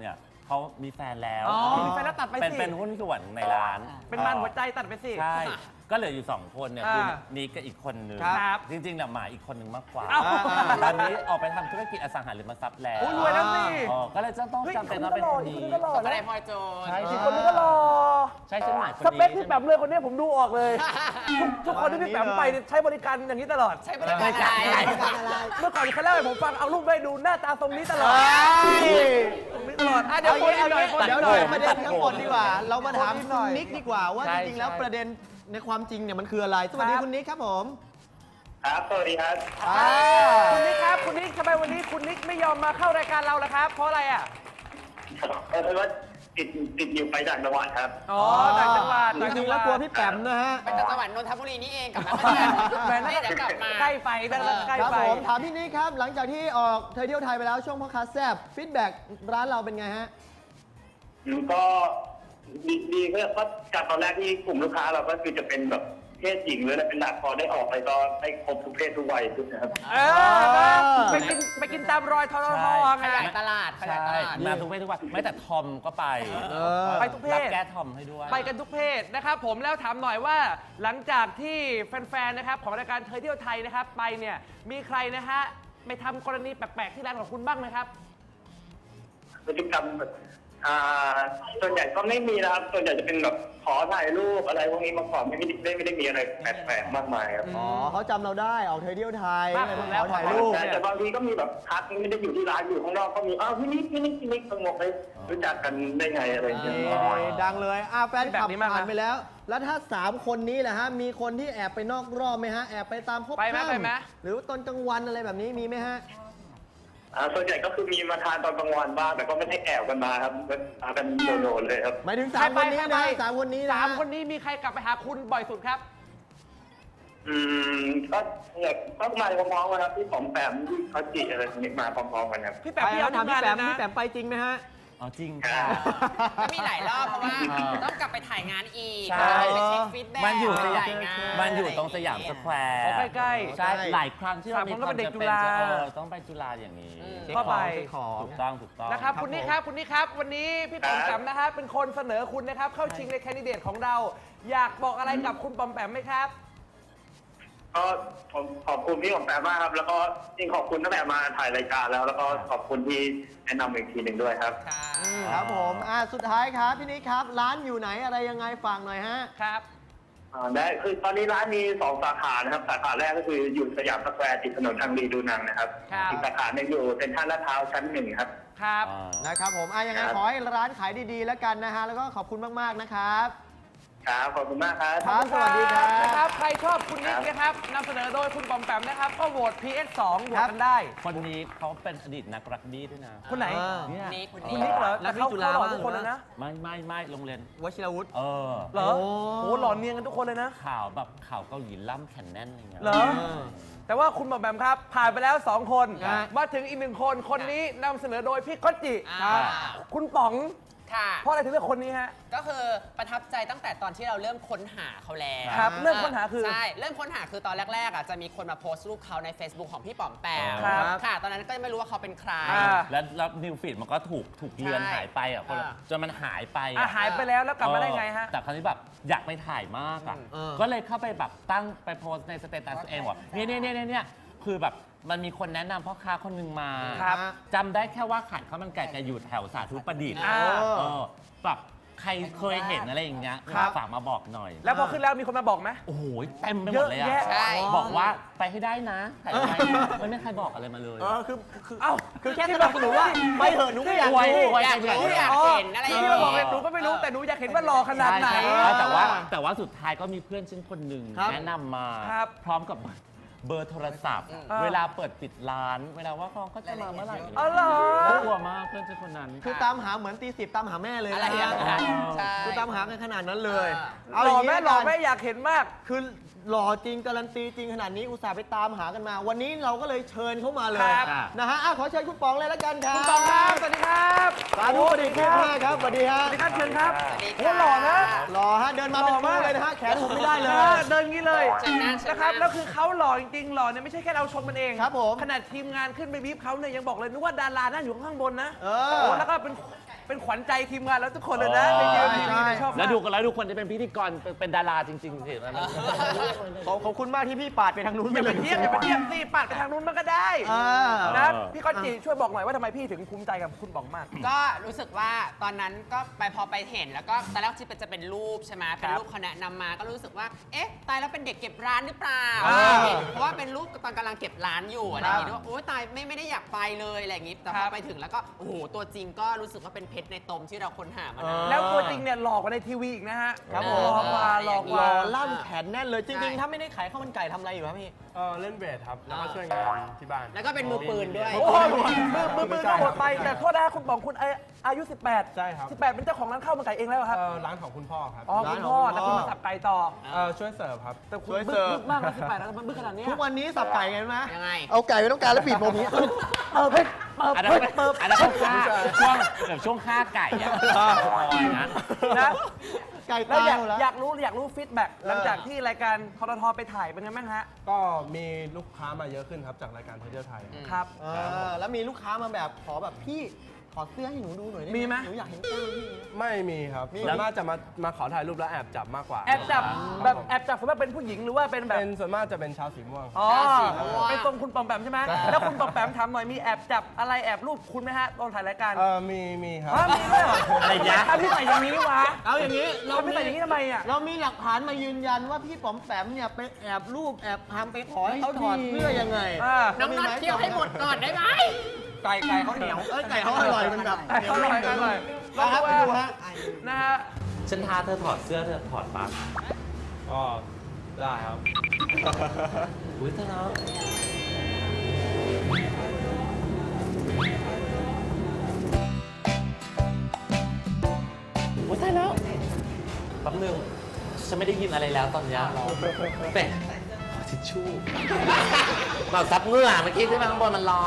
เขามีแฟนแล้ว
อ๋อมีแฟนแล้วตัดไปสิ
เป็นเป็นหุ้นส่วนในร้าน
เป็นมันหัวใจตัดไปสิ
ใช่ ก็เหลืออยู่สองคนเนี่ยคือ
อ่า
นิกกับอีกคนนึง
ครับ
จริงๆเนี่ยหมาอีกคนนึงมากกว่า
เอ้า
ตอนนี้ออกไปทำธุรกิจอสังหาริมทรัพย์แล้ว
โอ้ยรวยแล้วสิ
อ๋อก็เลยจะต้องจำเป็นต้องเป็นคนนี้
ก็หล่อ
ก็
นะ
ได้พลอยโจร
ใช่
อีกคนนึงก็หล่อ
ใช่ใช่ไหมคน
ส
นี้
เปคพี่แปมเลยคนนี้ผมดูออกเลย ทุกทุกคนที่พี่แปมไปเนี่ยใช้บริการอย่างนี้ตลอด
ใช้บริการอะไร
เมื่อก่อนเขาเล่าให้ผมฟังเอารูปไปดูหน้าตาทรงนี้ตลอดตรงนี้ตลอดอ่ะเดี๋ยว
เอา
คน
งี้
อีก
เอา
หน่อย
งี้
คน
เดี๋
อี
ยว
กห
เรา
น่อย
ประเด็นทั้งหมดดีกว่า เรามาถาม
คนอีกหน่
คุ
อย
ณนิกดีกว่าว่า
ใช่
จริงๆแล้ว
ใช่
ประเด็นในความจริงเนี่ยมันคืออะไร สวัสดี
ครับ
คุณนิกครับผม
ครับ สวัสดีครับ
อ่า
คุณนิกครับคุณนิกทำไมวันนี้คุณนิกไม่ยอมมาเข้ารายการเราล่ะครับ เพราะอะไรอ่ะ
เออเพราะว่าติดติดอยู่ไปต่างจังหวัดครับ
อ๋อต่างจังหวัด
จริงๆแล้วกลัวพี่แปมนะฮะ
ไปจากจังหวัดนนทบุรีนี่เองกลับมาเมื่อ
แหม
ไหร่
น่า
เดี๋ยวกลับมา
ใกล้ไปนั่นแหละใกล้
ครับ
ไป
ผมถามพี่นิกครับ หลังจากที่ออกเธอเที่ยวไทยไปแล้วช่วงพ่อค้าแซบฟีดแบ็กร้านเราเป็นไงฮะ
อืมก็ดีดีก็เพราะจากตอนแรกที่กลุ่มลูกค้าเราก็คือจะเป็นแบบเพศหญิงเลยนะเป็นหลักพอได้ออกไปก็ได้ครบทุกเพศทุกวัยทุกนะครับ
เออไปกินไปกินตามรอยทอทอไง
ขยายตลาดขยายต
ใช่
ลาด
มาทุกเพศทุกวันไม่แต่ทอมก็ไป
เออ
ไปทุกเพศ
รับแก้ทอมให้ด้วย
ไปกันทุกเพศนะครับผมแล้วถามหน่อยว่าหลังจากที่แฟนๆนะครับของรายการเธอเที่ยวไทยนะครับไปเนี่ยมีใครนะฮะไปทำกรณีแปลกๆที่ร้านของคุณบ้างไหมครับ
พฤติกรรมแบบอ่าส่วนใหญ่ก็ไม่มีนะครับ ส่วนใหญ่จะเป็นแบบขอถ่ายรูปอะไรพวกนี้มาก่อนไม่ได้ไม่ได้มีอะไรแปลกๆมากมายครับ
อ๋อเขาจำเราได้ออกเธอเที่ยวไทย
มาก
เลย
สุ
มา
ด
ข
แล้ว
อถ่ายรูป
แต่แต่บางทีก็มีแบบทักไม่ได้อยู่ที่ร้านอยู่ข้างนอกก็มีอ้าวพี่นิกพี่นิกพี่นิกสงบเลยรู้จักกันได้ไงอะไรอย่างเงี้ย
นี่ดังเลยอ่ะแฟนคลับ
แบบนี้มากนะ
ผ่านไปแล้ว แล้วถ้าสามคนนี้แหละฮะ มีคนที่แอบไปนอกรอบไหมฮะ แอบไปตามพบ
ไปไหม
ค่ำ
ไปไหม
หรือว่าตอนกลางวันอะไรแบบนี้มีไหมฮะ
อ่าส่วนใหญ่ก็คือมีมาทานตอนกลางวันบ้างแต่ก็ไม่ได้แอบกันมาครับก็มากันโดดๆเลยครับ
หมายถึงสามคนนี้
ใครไป
นะ
ใครไป
สามคนนี้นะ
สามคนนี้มีใครกลับไปหาคุณบ่อยสุดครับ
อืมก็เนี่ยก็มาพร้อมๆกันครับที่ผมแปมที่เขาจีอะไรนี้มาพร้อมๆกันครับ
พี่แป
ไป
มพี่
แล้
เอา
ว
ทุ
ถาม
กงานเลยนะ
พี่แปมพี่แปมไปจริงไหมฮะ
อ๋อจริงค่ะ
ก็มีหลายรอบเพราะว่า
อ่า
ต้องกลับไปถ่ายงานอีก
ใช่
ไปเช็คฟีดแบ็ก
มันอยู่ส
ไป
ยาม
ถ่ายงาน
มันอยู่ตรงสยามสแควร์
อ๋อใกล้ๆ
ใช่หลายครั้งที่เรา
สาม
มี
คนก็
ควา
เป็
ม
นเด็ก
จำ
จุ
เป็น
ฬา
จะเออต้องไปจุฬาอย่างนี้
เช็ค
เข้าไป
ของเช็คของ
ถูกต้องถูกต้อง
นะครับ
ครับ
คุณนิก
ผม
ครับคุณนิกครับ วันนี้พี่ปอมแปมนะฮะเป็นคนเสนอคุณนะครับ เข้าชิงในแคนดิเดตของเรา อยากบอกอะไรกับคุณปอมแปมไหมครับ
ก็ผมขอบคุณพี่ผมแปมมากครับ แล้วก็จริงขอบคุณตั้งแต่มาถ่ายรายการแล้ว แล้วก็ขอบคุณที่แนะนำอีกทีหนึ่งด้วยครับ
ค่ะ
ครับผมอ่ะสุดท้ายครับพี่นิกครับ ร้านอยู่ไหนอะไรยังไงฝากหน่อยฮะ
ครับ
อ่าได้คือตอนนี้ร้านมีสองสาขานะครับ สาขาแรกก็คืออยู่สยามสแควร์ติดถนนทางดีดูนังนะครับ
ครับ
อีกสาขาหนึ่งอยู่เซ็นทรัลลาดพร้าวชั้นหนึ่งครับ
ครับ
อ่า
นะครับผมอ่ะยังไง
ครับ
ขอให้ร้านขายดีๆแล้วกันนะฮะ แล้วก็ขอบคุณมากๆนะครับ
ครับขอบคุณมากครับ
ครับ สวัสดีครับ
นะครับ ใครชอบคุณนิก
ครับ
นะครับนำเสนอโดยคุณปอมแปมนะครับ ก็โหวต พี เอส สองโหวตกันได้
คนนี้เขาเป็นอดีตนักรักบี้ด้วยนะ
คนไหน
อ่า
เนี่ย
นี่คุณ
คุณ
นี่
นิกเหรอ
แล้ว
แต่เขา
พี่จุฬา
เขาหล่อ
บ้าง
ทุกคนเลยนะ
ไม่ไม่ไม่โรงเรียน
วชิรวุฒิ
เออ
เหรอ
โอ้
โอ้หล่อเนียนกันทุกคนเลยนะ
ข่าวแบบข่าวเกาหลีล่ำแขนแน่นอะไรเงี้ย
เหรอ แต่ว่าคุณปอมแปมครับ ผ่านไปแล้ว สอง คน
ครับ
มาถึงอีกหนึ่งคน คนนี้นำเสนอโดยพี่ก๊อตจิ
อ่า
คุณป๋อง
ค่ะ
เพราะอะไรถึงเลือกคนนี้ฮะ
ก็คือประทับใจตั้งแต่ตอนที่เราเริ่มค้นหาเขาแล้ว
ครับเริ่มค้นหาคือ
ใช่ เริ่มค้นหาคือตอนแรกๆอ่ะจะมีคนมาโพสต์รูปเขาใน Facebook ของพี่ป๋อมแปม
ครับ
ค่ะ ตอนนั้นก็ไม่รู้ว่าเขาเป็นใคร
อ่า
แล้วแล้วนิวฟีดมันก็ถูกถูกเลือน
ใช่
หายไปอ่ะคนละ
อ่า
จนมันหายไป
อ่ะ
อ่ะ
หายไปแล้วแล้วกลับมาได้ไงฮะ
เออแต่คราวนี้แบบอยากไปถ่ายมากอ่ะ
เออ
ก็เลยเข้าไปแบบตั้งไปโพสต์ในสเตตัสตัวเองว่าเนี่ยเนี่ยเนี่ยเนี่ยคือแบบมันมีคนแนะนำพ่อค้าคนหนึงมา
ครับ
จำได้แค่ว่าขายข้าวมันไก่แกอยู่แถวสาธุประดิษฐ์
อ่า
เออแบบใครเคยเห็นอะไรอย่างเงี้ย
ครับ
ฝากมาบอกหน่อย
แล้วพอขึ้นแล้วมีคนมาบอกไหม
โอ้โหเต็มไปหมดเลย
เยอะ
อ่ะ
แยะ
ใช่
บอกว่าไปให้ได้นะแต่ทำไมไม่มีใครบอกอะไรมาเลย
เออคือคือ
เอ้า
คือแค่สนับสนุนว่าไปเถอะหนูก็อยาก
ไว้
ดู
ไว้
อยากรู้อยากเห็นอะไรอย่าง
ที่
เงี้
มาบอกเลย
ย
หนูก็ไม่รู้แต่หนูอยากเห็นว่าหล่อขนาดไหน
ใช่ใช่แต่ว่าแต่ว่าสุดท้ายก็มีเพื่อนฉันคนหนึ่ง
ครับ
แนะนำมา
ครับ
พร้อมกับเบอร์โทรศัพท์
อ่า
เวลาเปิดปิดร้าน เวลาว่าเขาก็จะมาเมื่อไหร่
อ๋อเหรอ
น่ากลัวมากเพื่อนฉันคนนั้น
คือตามหาเหมือนตีสิบตามหาแม่เลย
อะไร
นะ
อย่าง
ฮะ
นั้นใช่
คือตามหากันขนาดนั้นเลย
อ่า
หล่อแม่
ย่างนี้
หล่อ
ละกัน
แม่อยากเห็นมาก
คือหล่อจริงการันตีจริงขนาดนี้อุตส่าห์ไปตามหากันมา วันนี้เราก็เลยเชิญเขามาเลย
ครับ
นะฮะอ่ะขอเชิญคุณปองเลยแล้วกันครับ
คุณปองครับ สวัสดีครับ
สาธุประดิษฐ์เทพมากครับสวัสดีฮะ
สวัสดีครับเชิญครับ
สวัสดี
โอ้
ค่ะ
หล่อนะ
หล่อฮะเดินมาเป็น
หล่อ
คู่
มาก
เลยนะฮะแขนหุบไม่ได้เลย
ออเดินงี้เลย
เชิญนั่งเชิญนั่ง
นะครับแล้วคือเขาหล่อจริงๆหล่อเนี่ยไม่ใช่แค่เราชมมันเอง
ครับผม
ขนาดทีมงานขึ้นไปบีบเขาเนี่ยยังบอกเลยนึกว่าดารานั่งอยู่ข้างบนนะ
เออ
โอ้แล้วก็เป็นเป็นขวัญใจทีมงานแล้วทุกคนเลยนะในเกมนี้
ใช่
ชอบมาก
แล้วดูกันแล้วทุกคนจะเป็นพิธีกรเป็นเป็นดาราจริงๆสิแล้วมัน
ขอบขอบคุณมากที่พี่ปาดไปทางนู้น
อ
ไป
ย่า
เล
ไป
ย
เทียบอย่าไปเทียบสิปัดไปทางนู้นมันก็ได้
อ่า
นะพี่ก้อนจีช่วยบอกหน่อยว่าทำไมพี่ถึงภูมิใจกับคุณบองมาก
ก็รู้สึกว่าตอนนั้นก็ไปพอไปเห็นแล้วก็ตอนแรกที่จะเป็นรูปใช่ไหมเป็นรูปเขาแนะนำมาก็รู้สึกว่าเอ๊ะตายแล้วเป็นเด็กเก็บร้านหรือเปล่า
อ่า
เพราะว่าเป็นรูปตอนกำลังเก็บร้านอยู่อะไรอย่างงี้ด้วยโอ๊ยตายไม่ไม่ได้อยากไปเลยอะไรอย่างงี้แต่พ
ครั
อบ ไปถึงแล้วก็โอ้โหตัวจริงก็รู้สึกว่าเป็นเพชรในตมที่เราค้นหามานาน
แล้วตัวจริงเนี่ยหลอกกว่าในทีวีอีกนะฮะ
ครับ
ห
ผ
ล
ม
อกกว่าหลอกก
ร
ว่า
อล่ำแขนแน่นเลยจริง
ใช่
ๆ ถ้าไม่ได้ขายข้าวมันไก่ทำอะไรอยู่ครับพี่
เออเล่นเวทครับ แล้วก็ช่วยงานที่บ้าน
แล้วก็เป็นมือปืนด้วย
โอ้โหมือมือมือก็หมดไปแต่โทษนะคุณบองคุณอาอายุ สิบแปด
ใช่ครับ
สิบแปดเป็นเจ้าของร้านข้าวมันไก่เองแล้วเหรอครับ
เออร้านของคุณพ่อครับ
อ๋อคุณพ่อแต่คุณมาสับไก่ต่อ
เออช่วยเสิร์ฟครับ
แต่คุณ
ช่วย
บึ้
เสิ
ง
ร์ฟ
บึ้งมากนะสิบแปดแล้วมันบึ้งขนาดเนี้ย
ทุกวันนี้สับไก่ไงรู้ไหม
ยังไง
เอาไก่ไว้ต้องการแล้วบีบนมนี้
เปิดเพิ่มเปิด
อันนั้น
เพิ่มเปิด
อันนั้นเขาฆ่าช่วงแบบช่วงฆ่าไก่อะอย่างนั้น
นะ
ไก่
แล้ว
ตาย
อยาก
หมดแล้ว
อยากรู้อยากรู้ฟีดแบ็ก
เออ
หลังจากที่รายการทรทไปถ่ายเป็นไงบ้างฮะ
ก็มีลูกค้ามาเยอะขึ้นครับจากรายการเที่ยวไทย
ครับ
เออแล้วมีลูกค้ามาแบบขอแบบพี่ขอเสื้อให้หนูดูหน่อยได้
มีไหม
หนูอยากเห็นกล้ามพี่
ไม่มีครับ
มี
ส่วนมากจะมามาขอถ่ายรูปแล้วแอบจับมากกว่า
แอบจับแบบแอบจับสมมติเป็นผู้หญิงหรือว่าเป็นแบบ
เป็นส่วนมากจะเป็นชาวสีม่วง
อ๋อ
สีม่วง
เป็นทรงคุณปอมแปมใช่ไหมแล้วคุณปอมแปมถามหน่อยมีแอบจับอะไรแอบรูปคุณไหมฮะตอนถ่ายรายการ
เออมีมีครับ
ฮะมีด้วยเหรอ
อะไรนะ
ทำที่ใส่อย่างนี้วะ
เอาอย่างนี้เรา
ทำที่ใส่อย่างนี้ทำไมอ่ะ
เรามีหลักฐานมายืนยันว่าพี่ป๋อมแปมเนี่ยไปแอบรูปแอบทำไปขอให้เขาถอดเสื้อยังไง
อ่า
น้องน็อตเคี่ยวให้หมดก่อนได้ไหม
ไก่ไก่เขาเหนียวเอ้ยไก่เขาอร่อยมันแบบ
ไก่เขาอร่อยอร่อย
ลองครับไปดูฮะ
นะฮะ
ฉันท้าเธอถอดเสื้อเธอถอดปั๊บ
ก็ได้ครับ
อุ้ยเธอเนาะอุ้ยตายแล้วแป๊บนึงฉันไม่ได้ยินอะไรแล้วตอนเนี้ยเป็ดทิชชู่เปล่าซับเหงื่อเมื่อกี้ที่มาข้างบนมันร้อน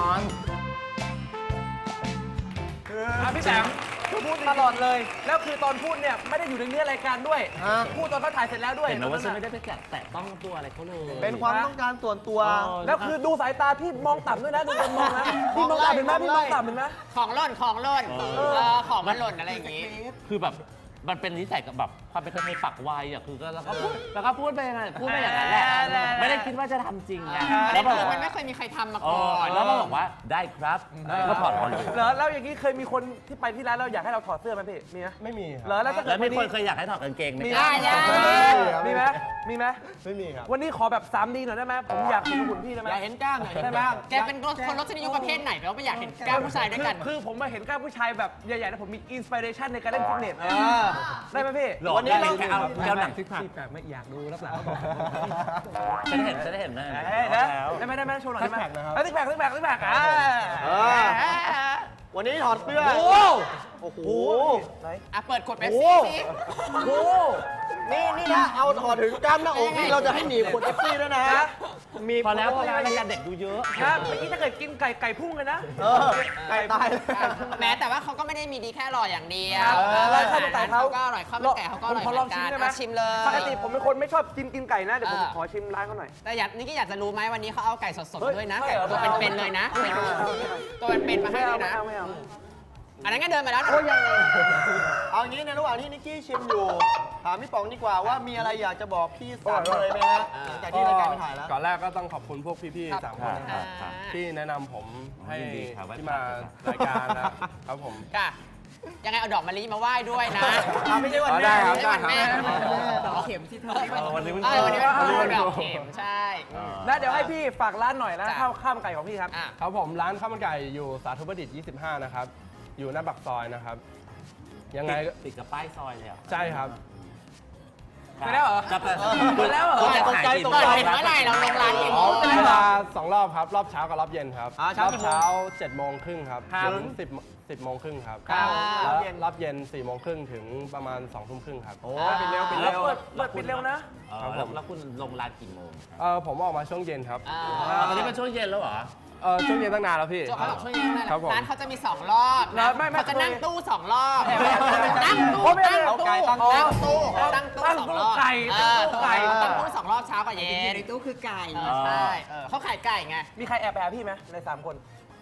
อ่ะพี่แบมคือพูดตลอดเลย แล้วคือตอนพูดเนี่ยไม่ได้อยู่ในเนื้อรายการด้วย
ฮะ
พูดตอนเขาถ่ายเสร็จแล้วด้วย
เห็นไหมว่าฉันไม่ได้ไปแตะแตะต้องตัวอะไรเขาเลย
เป็นความต้องการส่วนตัว
แล้วคือดูสายตาพี่มองต่ำด้วยนะดูคนมองนะพี่มองต่ำเห็นไหมพี่มองต่ำเห็นไหม
ของหล่นของหล่นเออของมันหล่นอะไรอย่างงี้
คือแบบมันเป็นนิสัยกับแบบความเป็นคนในปักไวอ่ะคือก็แล้วก็พูดแล้วก็พูดไปอย่างนั้นพูดไปอย่างนั้นแหละไม่ได้คิดว่าจะทำจริงไง
แล้
แล้ว ว
คื
บอก
อ
ว่า
มันไม่เคยมีใครทำมา
เอ
ก่อ
อน แล้วมาบอกว่าได้ครับก็ถอดออกเลย
เหรอแล้วอย่างนี้เคยมีคนที่ไปที่ร้านเราอยากให้เราถอดเสื้อไหมพี่มีไหม
ไม่มีค
เหร
รั
อบ แล้วถ้าเกิ
แล้
ด
วมี
วัน
คน
นี้
เคยอยากให้ถอดกางเกงไหม
มี
ค
ไหม
รับ
มีไหมมีไหม
ไม่มีครับ
วันนี้ขอแบบ สามดี หน่อยได้ไหมผมอยากเห็นหุ่นพี่ได้ไหม
อยากเห็นกล้ามหน่อย
ได้ไหม
แกเป็นคนรสนิยมประเภทไหนแล้วไม่อยากเห็นกล้ามผู้ชายด้วยกัน
คือคือผมมาเห็นกล้ามผู้ชายแบบใหญ่ๆแล้วผมมีอินสปิเรชันในการเล่นฟิตเนส
เออ
ได้ไหมพี่
หลอก
วันนี้
ได้
เรา
แค่เอาแก้วหนังซิกแพค
ที่แบบไม่อยากดูรับหลังเขาบอก
ฉันได้เห็นฉันได้เห็นนะ
เอ้ยนะได้ไหมได้ไหมโชว์หน่อยได้ไหม
ซิกแพคนะครับ
เอ้ยซิกแพคซิกแพคซิกแพคอ่า
เออ วันนี้ถอดเสื้อ
โอ้
โอ้โห
ไหน
อ่ะ เปิดขวดเป๊ป
โอ้
ซี่สิ
โอ้
นี่นี่นะเอาถอดถึงกล้ามหน้าอกนี่เราจะให้หนีบขวดเอฟซี่ด้วยนะ มี
พอแล้วพอแล้วรายการเด็กดูเยอะ
นะเมื่อกี้ถ้าเกิดกินไก่ไก่พุ่งเลยนะ
เออไก่ตายเลย
แม้แต่ว่าเขาก็ไม่ได้มีดีแค่อร่อยอย่างเดียว
ครับ
เออ
แล้ว
อา
ข้าว
หาร
มันไก่
เขา
เขา
ก็อร่อยข้าวมันไก่เขาก็อร่อย
ผมขอ
เห
ล
มื
อ
อง น
ชิ
กั
ม
น
ได้ไหม
อ่ะชิมเลย
ปกติผมเป็นคนไม่ชอบกินกินไก่นะเดี๋ยวผม
เออ
ขอชิมร้านเขาหน่อย
แต่อยากนี่ก็อยากจะรู้ไหมวันนี้เขาเอาไก่สด
เฮ้ย
ๆด้วยนะ
ใช่
ไก่
เหรอ
ตัวเป็นๆเลยนะ ตัวเป็นๆมาให้
ไม่
เล
เอา
ย
ไม่
นะ
เอาไม่เอา
อันนั้นก็เดินมาแล้วนะ
เอางี้ในระหว่างที่นิกกี้ชิมอยู่ ถามพี่ป๋องดีกว่าว่ามีอะไรอยากจะบอกพี่สามเลยไหมฮะหลังจากที่รายการไปถ่ายแล้ว
ก่อนแรกก็ต้องขอบคุณพวกพี่ๆสามคนนะค
อ่า
รับที่แนะนำผมให้
ยินดีครับ
ที่มารายการนะครับผม
ค่ะยังไงเอาดอกมะลิมาไหว้ด้วยนะ
อ่ะไม่ใช่วัน
อ๋อ
แม่
ได้ครับ
ไม่ใช่วันแม่
ดอกเข็มที่เธอ
วันนี้มัน
เออวันนี้เป็น
วันนี้เป็น
ดอกเข็มใช่
นะเดี๋ยวให้พี่ฝากร้านหน่อยนะ
จ้ะ
ข้าวข้าวมันไก่ของพี่ครับ
อ่ะ
ครับผมร้านข้าวมันไก่อยู่สาธุประดิษฐ์ยี่สิบห้านะครับ อยู่หน้าปากซอยนะครับ ยังไงก็
ติดกับป้ายซอยเลยอ่ะ
ใช่ครับ
ไปแล้วเหรอ
จะไป
ไปแล้วเหรอ
จะขายกี่
ตก
เปิด
ใจ
เป็นเมื่อไหร่เราลงร้านกี่โมง
เวลาสองรอบครับ รอบเช้ากับรอบเย็นครับ
อ่าร เช้า
อบ
กี่โมง
เช้าเจ็ดโมงครึ่งครับ
ครับ
ถึงสิบสิบโมงครึ่งครับ
ครับ
แล้วรอบเย็นสี่โมงครึ่งถึงประมาณสองทุ่มครึ่งครับ
โอ้ปิดเร็วปิด
แล้
เร็
ว
ว
เปิดเปิดปิดเร็วนะ
เออแล้วแล้วคุณลงร้านกี่โมง
เออผมออกมาช่วงเย็นครับ
อ่า
อ๋อตอนนี้เป็นช่วงเย็นแล้วเหรอ
เออช่วงเย็นตั้งนานแล้วพี่
เขาบอกช่วยยังไง
ครับผม
ร้านเขาจะมีสองรอบ
แล้
นะ
วไม่ไม่
เขาจะนั่งตู้สองรอบ
ไม่ไม่ไม่ไม่
นั่งตู้
โอ้ไม่ไม่
ตั้ง
เอา
ตู้
ไก่ตั้ง
ตั้งตู้
อ๋อ
ตั้งตู้
ตั้ง
สอง
ตู้
รอบ
ไก่
เออ
ตั้งตู้ไก่
ตั้งตู้สองรอบเช้ากับเย็น
ในตู้คือไก่
เออใช่เออเขาขายไก่ไง
มีใครแอบไปหาพี่ไหมในสามคน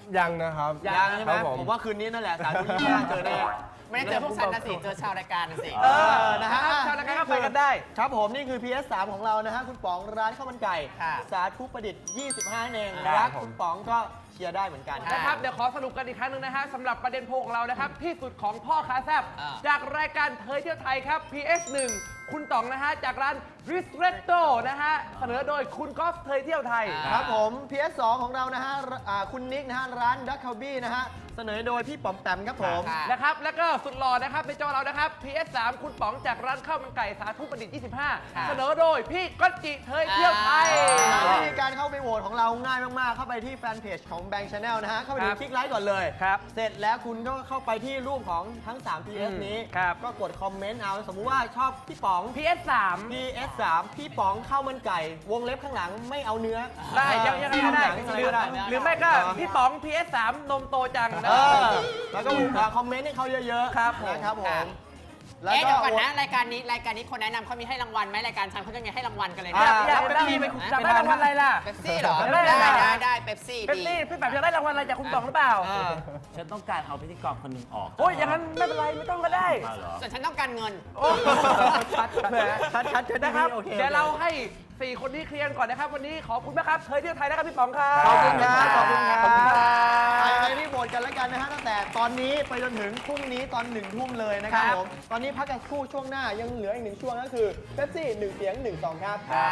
ยังนะครับ
ยังใช่ไหม
ครับผม
ผมว่าคืนนี้นั่นแหละสาธุที่ห้าเจอแน่
ไม่ได้เจอพวกฉันนะสิ เจอชาวรายการนะสิ
เออนะฮะ
ชาวรายการก็ไปกันได้
ครับผมนี่คือ พี เอส สาม ของเรานะฮะคุณป๋องร้านข้าวมันไก่
ค่ะ
สาธุประดิษฐ์ ยี่สิบห้าเอง
ครับ
รัก
ผม
คุณป๋องก็เชียร์ได้เหมือนกัน
นะครับเดี๋ยวขอสรุปกันอีกครั้งหนึ่งนะฮะสำหรับประเด็นโพลของเรานะครับที่สุดของพ่อค้าแซบ
อ่า
จากรายการเทยเที่ยวไทยครับ พี เอส หนึ่ง คุณต๋องนะฮะจากร้าน Ristretto นะฮะเสนอโดยคุณกอล์ฟเทยเที่ยวไทย
ครับผม พี เอส สอง ของเรานะฮะอ่าคุณนิกนะฮะร้านดักคาบี้นะฮะเสนอโดยพี่ป๋อมแปมครับผม
ค่ะ
นะครับแล้วก็สุดหล่อนะครับในจอเรานะครับ พี เอส สาม คุณป๋องจากร้านข้าวมันไก่สาธุประดิษฐ์ ยี่สิบห้า
ค่ะ
เสนอโดยพี่ก๊อตจิเทยเที่ยวไทย
นะวิธีการเข้าไปโหวตของเราง่ายมาก ๆ เข้าไปที่แฟนเพจของ Bank Channel นะฮะ เข้าไปดู
ครับ
คลิกไลค์ก่อนเลย
ครับ
เสร็จแล้วคุณก็เข้าไปที่รูปของทั้ง สาม พี เอส
อืม
นี้
ครับ
ก็กดคอมเมนต์เอา สมมุติว่าชอบพี่ป๋อง
พี เอส สาม
พี เอส สาม พี่ป๋องข้าวมันไก่ วงเล็บข้างหลังไม่เอาเนื้อ
ได้ยังยังไงก็ได้
หนังอะไรก็ได้
หรือไม่ก็พี่ป๋อง พี เอส สาม นมโตจังนะ
เออแล้วก็คอมเมนต์ให้เขาเยอะๆ
ครับผม
นะครับผม
ค่ะ
แล้ว
เอ๊ะ
ก็
เดี๋ยวก่อนนะรายการนี้รายการนี้คนแนะนำเขามีให้รางวัลไหมรายการฉันเขาจะมีให้รางวัลกันเลย
อยา
นะ
กอยากได้ไปคุณอยากได้รางวัลอะไรล่ะ
เป๊ปซี่เหรอ
ได้
ได้
ได้
ได้ได้เป๊ปซี่
เป็น
ดี
นี่พี่แบบอยากได้รางวัลอะไรจากคุณป๋องหรือเปล่า
ฉันต้องการเอาพิธีกรคนหนึ่งออก
โอ้ยอย่างนั้นไม่เป็นไรไม่ต้องก็ได้
มาเหรอ
ส่วนฉันต้องการเงิน
โอ้
ชัดแหมชัดชัดชัด
นะครับ
โอเค
เดี๋ยวเราให้สี่คนนี้เคลียร์ก่อนนะครับ วันนี้ขอบคุณมากครับเทยเที่ยวไทยนะครับพี่ป๋องครับ
ขอบคุณครับขอบคุณครับ
ขอบคุณครับ
ไปไปที่โหวตกันแล้วกันนะฮะตั้งแต่ตอนนี้ไปจนถึงพรุ่งนี้ตอนหนึ่งทุ่มเลยนะครับ
ครับ
ผมตอนนี้พักกันครู่ช่วงหน้ายังเหลืออีกหนึ่งช่วงก็คือเป๊ปซี่หนึ่งเสียงหนึ่งสองครับ
ค่ะ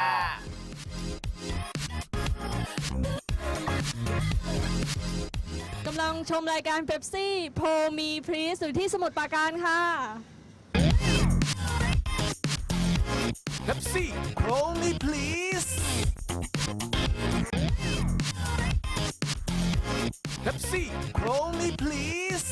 กำลังชมรายการเ e ปซี่โพมีพรีสอยู่ที่สมุทรปราการค่ะ
Pepsi Call me please Pepsi Call me please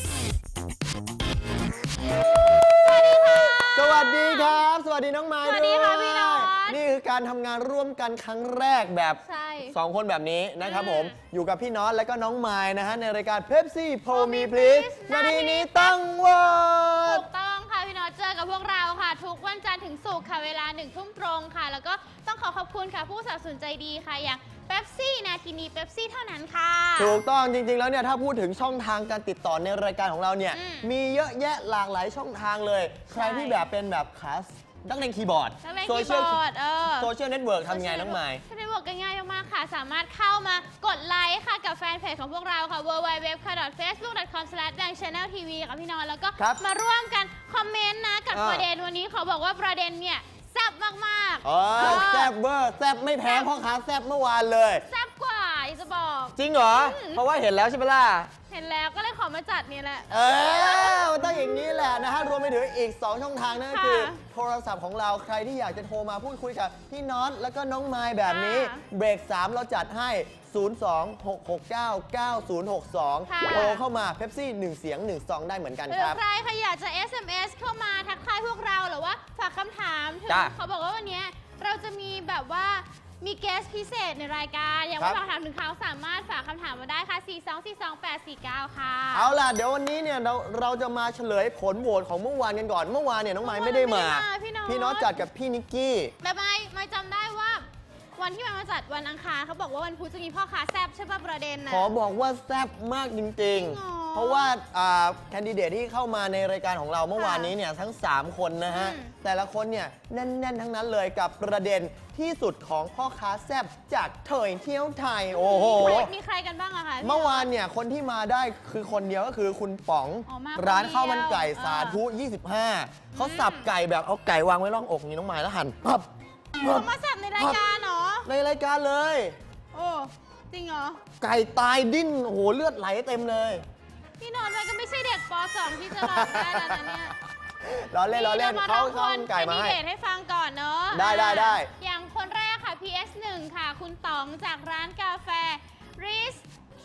สวัสดีครับ สวัสดีน้องไม้
สวัสดีค่ะ
ด้วย
พี่น็อต
นี่คือการทำงานร่วมกันครั้งแรกแบบ
ใช่
สองคนแบบนี้นะครับผม
อืม
อยู่กับพี่น็อตและก็น้องไม้นะฮะในรายการเพปซี่โพ
Call
มี
me
พลีส
please
นาทีนี้ต้องโหว
ถู
ต
กต้องค่ะพี่น็อตเจอกับพวกเราค่ะ ทุกวันจันทร์ถึงศุกร์ค่ะเวลาหนึ่งทุ่มตรงค่ะ แล้วก็ต้องขอขอบคุณค่ะผู้สนับสนุนใจดีค่ะ อย่างเป๊ปซี่นาทีนี้เป๊ปซี่เท่านั้นค่ะ
ถูกต้องจริง ๆ แล้วเนี่ยถ้าพูดถึงช่องทางการติดต่อในรายการของเราเนี่ย
อืม
มีเยอะแยะหลากหลายช่องทางเลย ใครที่แบบเป็นแบบขานักเล่นคีย์บอร์ด
นักเล่น
โซ
คีย์
เชียล
บอร์ดเออ
โซเชียลเน็ตเวิร์กทำไงน้องไม้
ก็ได้บอกกันง่ายมากๆค่ะ สามารถเข้ามากดไลค์ค่ะกับแฟนเพจของพวกเราค่ะ ดับเบิลยู ดับเบิลยู ดับเบิลยู ค่ะ เฟซบุ๊ก ดอท คอม สแลช แบงค์ แชนแนล ที วี ค่ะพี่นอนแล้วก็
ครับ
มาร่วมกันคอมเมนต์นะกับ
อ่า
ประเด็นวันนี้ขอบอกว่าประเด็นเนี่ยแซ่บมากๆ
อ๋อ
เออ
แซบเวอร์แซบไม่แพ้พ่อค้าแซบเมื่อวานเลย
แซ่บกว่าอยากจะบอก
จริงเหรอ
อืม
เพราะว่าเห็นแล้วใช่ไหมล่ะ
เห็นแล้วก็เลยขอมาจัดเนี่ยแหละ
เออมันต้องอย่างนี้แหละนะฮะ รวมไปถึงอีก สอง ช่องทางนั่นก็
ค่ะ
คือ โทรศัพท์ของเราใครที่อยากจะโทรมาพูดคุยกับพี่น็อตแล้วก็น้องไมล์แบบนี้
ค่ะ
เบรก สาม เราจัดให้ ศูนย์ สอง หก หก เก้า เก้า ศูนย์ หก สอง
ค่ะ
โทรเข้ามาเ e ปซี่หนึ่งเสียงหนึ่งซองได้เหมือนกัน
หรื
ค
อ
รับ
ใครใครอยากจะ เอส เอ็ม เอส เข้ามาทักทายพวกเราหรือว่าฝากคำถามถึง
จ้ะ
เขาบอกว่าวันนี้เราจะมีแบบว่ามีเกสพิเศษในรายการ อยาก
ครั
ว่า
บ
ฝากถามถึงเขาสามารถฝากคำถามมาได้ค่ะ สี่ สอง สี่ สอง แปด สี่ เก้า ค่ะ
เอาล่ะ เดี๋ยววันนี้เนี่ยเราเราจะมาเฉลยผลโหวตของเมื่อวานกันก่อน เมื่อวานเนี่ยน้องไมล์ไม่ได้มา
ไม่ได้มาพี่น็อต
พี่น็อตจัดกับพี่นิกกี้
แต่ไม่ไม่จำได้ว่า วันที่มันมาจัดวันอังคารเขาบอกว่าวันพุธจะมีพ่อค้าแซบใช่ป่ะประเด็นนะ
ขอบอกว่าแซ่บมากจริง
จริง
ๆ
เหรอ
เพราะว่าแคนดิเดตที่เข้ามาในรายการของเราเมื่อวานนี้เนี่ยทั้ง สาม คนนะฮะ
อืม
แต่ละคนเนี่ยแน่น ๆ ทั้งนั้นเลยกับประเด็นที่สุดของพ่อค้าแซ่บจากเถยเที่ยวไทย โอ้โห
มีใครมีใครกันบ้างอะคะพี่
เมื่อวานเนี่ยคนที่มาได้คือคนเดียวก็คือคุณป๋อง
อ๋อมา
ร้าน
คนเดียว
ข้าวมันไก่
เออ
สาธุ ยี่สิบห้า เขาสับไก่แบบเอาไก่วางไว้ร่องอกนี่น้องไม้แล้วหั่นปั๊บปั๊บ
เขามาแซบในรายการเหรอ
ในรายการเลย
โอ้จริงเหรอ
ไก่ตายดิ้นโอ้โหเลือดไหลเต็มเลย
พี่นอนท์มันก็ไม่ใช่เด็กป สอง ที่จะร้องได้แล้วนะเนี่ย
ล้อเล่นล้อเล่น
นี่
เขา
ร
เข้าไก่มาให้
แคนดิเดตให้ฟังก่อนเนอะ
ได้ได้ได้
อย่างคนแรกค่ะ พี เอส หนึ่ง ค่ะ คุณต๋องจากร้านกาแฟ Riz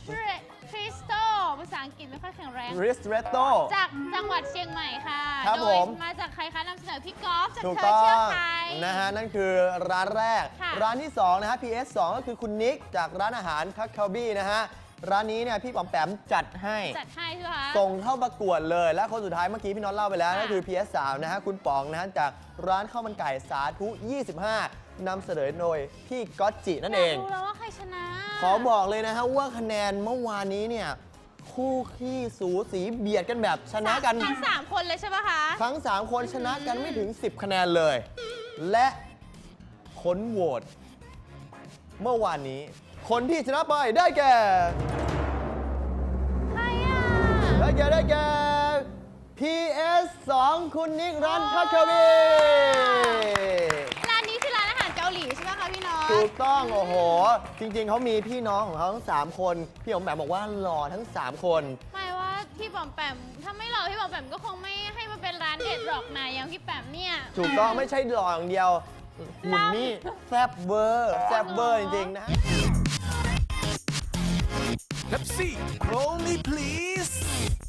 Cristo ภาษาอังกฤษไม่ค่อยแข็งแรง
ริสเรโต
จากจังหวัดเชียงใหม่ค่ะ
ครับ
โด
ผ
ย
ม
มาจากใครคะนำเสนอพี่กอล์ฟจาก
ถูก
เธ
ต้
อ
อ
เชื่อง ไทย
นะฮะ นั่นคือร้านแรก
ค่ะ
ร้านที่ สอง นะฮะ พี เอส สอง ก็คือคุณนิก จากร้านอาหารคัคคาบี้นะฮะ ร้านนี้เนี่ยพี่ป๋อมแปมจัดให้
จัดให้ใช่ไหมคะ
ส่งเข้าประกวดเลย และคนสุดท้ายเมื่อกี้พี่น็อตเล่าไปแล้ว
ค่ะ
นั่นคือ พี เอส สาม นะฮะ คุณป๋องนะฮะ จากร้านข้าวมันไก่สาธุ ยี่สิบห้า นำเสนอโดยพี่ก๊อตจินั่นเอง
ยากรู้แล้วว่าใครชนะ
ขอบอกเลยนะฮะว่าคะแนนเมื่อวานนี้เนี่ยคู่ขี้สูสีเบียดกันแบบชนะกัน
ทั้งสามคนเลยใช่ปะคะ
ทั้ง 3 คนชนะกันไม่ถึง สิบ คะแนนเลย และผลโหวตเมื่อวานนี้ คนที่ชนะไปได้แก่
ใครอ่ะ
ได้แก่ได้แก่ พี เอส สอง คุณนิกรันทัควี
ร้านนี้คือร้านอาหารเกาหลีใช่ไหมคะพี่น้อง
ถูกต้อง โอ้โห จริงๆ เขามีพี่น้องของเขาทั้ง 3 คน พี่ผมแบบบอกว่าหล่อทั้ง 3 คน
หมายว่าพี่ปอมแปมถ้าไม่หล่อพี่ปอมแปมก็คงไม่ให้มาเป็นร้านเด็ดหรอกนายอย่างพี่แปมเนี่ย
ถูกต้องไม่ใช่หล่ออย่างเดียวหุ่นนี่แซบเบอร์แซบเบอร์จริงๆนะ
Pepsi Roll me please